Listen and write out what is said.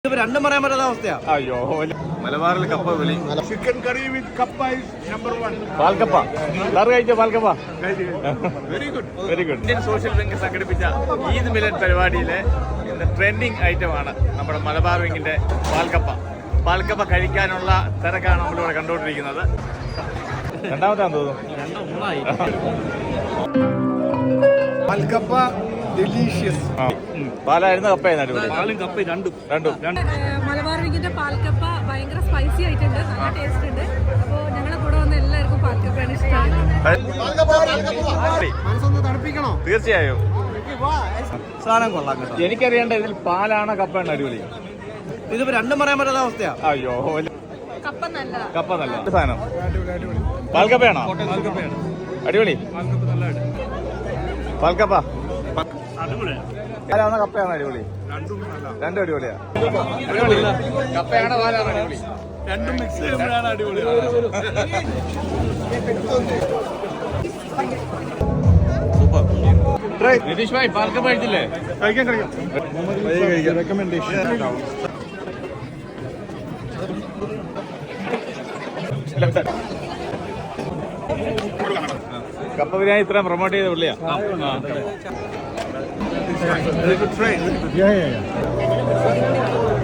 രണ്ടും പറയാൻ പറ്റാത്ത അവസ്ഥയാ. അയ്യോ, മലബാറിൽ കപ്പ വിളി. ചിക്കൻ കറി വിത്ത് കപ്പ ഇസ് നമ്പർ 1. പാൽക്കപ്പ സാറ് കഴിച്ചോ? പാൽക്കപ്പ very good. Very good. Indian social bank സംഘടിപ്പിച്ച ഈദ് മിലൻ പരിപാടിയിലെ ട്രെൻഡിങ് ഐറ്റമാണ് നമ്മുടെ മലബാർ വിങ്ങിന്റെ പാൽക്കപ്പ. പാൽക്കപ്പ കഴിക്കാനുള്ള തിരക്കാണ് നമ്മളിവിടെ കണ്ടുകൊണ്ടിരിക്കുന്നത്. രണ്ടാമത്താന്ന് തോന്നുന്നു. പാൽക്കപ്പ ഡെലീഷ്യസ്. പാലായിരുന്ന കപ്പയായിരുന്നു അടിപൊളി. പാലും കപ്പയും രണ്ടും. മലബാർ വിങ്ങിന്റെ പാൽക്കപ്പ ഭയങ്കര സ്പൈസി ആയിട്ടുണ്ട്, നല്ല ടേസ്റ്റ് ഉണ്ട്. അപ്പോൾ ഞങ്ങളെ കൂടെ വന്ന എല്ലാവർക്കും പാൽക്കപ്പയാണ് ഇഷ്ടമാണ്. തണുപ്പിക്കണോ? തീർച്ചയായും. സാധനം കൊള്ളാം കേട്ടോ. എനിക്കറിയേണ്ട ഇതിൽ പാലാണോ കപ്പയാണ് അടിപൊളി? ഇതിപ്പോ രണ്ടും പറയാൻ പറ്റാത്ത അവസ്ഥയാ. അയ്യോ, കപ്പ നല്ല കപ്പ നല്ല സാധനം. പാൽക്കപ്പയാണോ? അടിപൊളി. പാൽക്കപ്പ പാലാണോ കപ്പയാണോ അടിപൊളി? രണ്ടും അടിപൊളിയാ. അടിപൊളി. കപ്പയാണോ പാലാണോ അടിപൊളി? രണ്ടും മിക്സ് ചെയ്യുമ്പോഴാണ് അടിപൊളി. സൂപ്പർ. നിതീഷ് ഭായ് പാൽക്കപ്പ കഴിച്ചില്ലേ? കഴിക്കാൻ റെക്കമെൻഡേഷൻ. കപ്പ ബിരിയാണി ഇത്രയും പ്രൊമോട്ട് ചെയ്ത പുള്ളിയാ. Yeah.